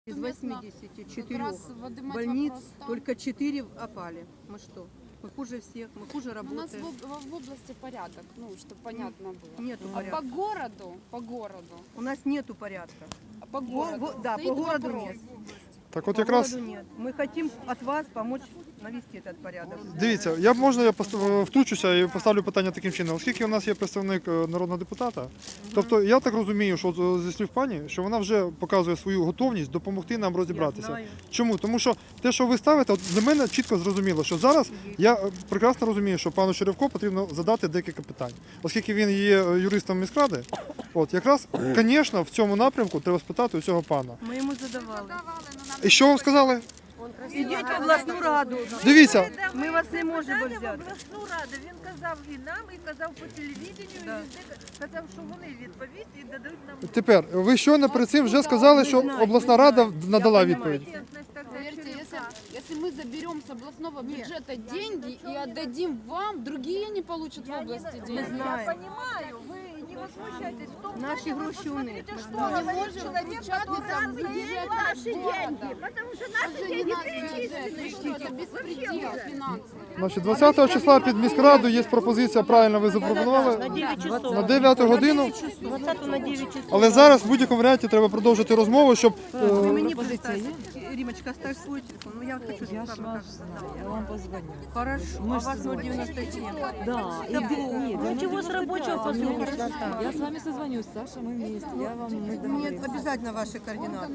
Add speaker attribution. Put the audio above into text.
Speaker 1: Из
Speaker 2: Местно
Speaker 1: 84
Speaker 2: как раз выдымать
Speaker 1: больниц
Speaker 2: вопрос там.
Speaker 1: только 4 опали. Мы что? Мы хуже всех, мы хуже
Speaker 2: У нас
Speaker 1: работаем.
Speaker 2: в области порядок, ну, чтобы понятно было.
Speaker 1: Нету
Speaker 2: А
Speaker 1: порядка.
Speaker 2: по городу,
Speaker 1: У нас нету порядка.
Speaker 2: по городу
Speaker 1: Да,
Speaker 2: стоит
Speaker 1: по городу
Speaker 2: вопрос.
Speaker 1: нет.
Speaker 3: Так от
Speaker 1: По
Speaker 3: якраз,
Speaker 1: городу нет. Мы хотим от вас помочь навести этот порядок.
Speaker 3: дивіться, я втручуся і поставлю питання таким чином. Оскільки у нас є представник народного депутата, тобто я так розумію, що от зі слів пані, що вона вже показує свою готовність допомогти нам розібратися.
Speaker 1: знаю.
Speaker 3: Чому? Тому що те, що ви ставите, от для мене чітко зрозуміло, що зараз я прекрасно розумію, що пану Черевко потрібно задати декілька питань. Оскільки він є юристом міськради, от якраз, звісно, в цьому напрямку треба спитати у цього пана.
Speaker 1: Ми йому задавали.
Speaker 3: І що вам сказали?
Speaker 1: Ідіть в обласну раду.
Speaker 3: Дивіться,
Speaker 1: Ми вас не можемо
Speaker 4: Питання в
Speaker 1: взяти.
Speaker 4: обласну раду. Він казав і нам, і казав по телевізенню,
Speaker 1: Да.
Speaker 4: і везде казав, що вони відповість і дадуть нам
Speaker 3: тепер ви щойно перед цим вже сказали, що обласна рада надала відповідь.
Speaker 4: компетентність. Тогда
Speaker 2: Поверьте,
Speaker 4: Черевка.
Speaker 2: если мы заберем с областного бюджета деньги и отдадим вам, другие не получат в области деньги.
Speaker 4: Я
Speaker 1: знаем.
Speaker 4: понимаю, вы не возмущайтесь. В том
Speaker 1: Наши
Speaker 4: плане, вы
Speaker 1: гроши у них,
Speaker 4: посмотрите,
Speaker 1: мы
Speaker 4: что
Speaker 1: знаем.
Speaker 2: Мы не
Speaker 4: говорит
Speaker 2: можем
Speaker 4: человек,
Speaker 2: печататься
Speaker 4: который
Speaker 2: в бюджете
Speaker 4: наши деньги,
Speaker 2: города.
Speaker 4: потому что
Speaker 2: Это
Speaker 4: наши
Speaker 2: же не
Speaker 4: деньги
Speaker 2: наш бюджет,
Speaker 4: перечислены.
Speaker 2: что это беспредел финансовый.
Speaker 3: Значить, 20 числа під міськраду є пропозиція, правильно ви запропонували, на 9 годину.
Speaker 1: 20 на 9 часов.
Speaker 3: Але зараз в будь-якому варіанті треба продовжити розмову, щоб
Speaker 1: Вы мне поставьте. Римочка, оставь свой телефон. Ну я хочу, чтобы с вами
Speaker 5: Я вам позвоню.
Speaker 1: Хорошо. А у вас 097.
Speaker 5: Да, и нет,
Speaker 1: Ну чего с рабочего послушать?
Speaker 5: я с вами созвонюсь, Саша, мы вместе. Я вам мы
Speaker 1: Мне
Speaker 5: договоримся.
Speaker 1: обязательно ваши координаты.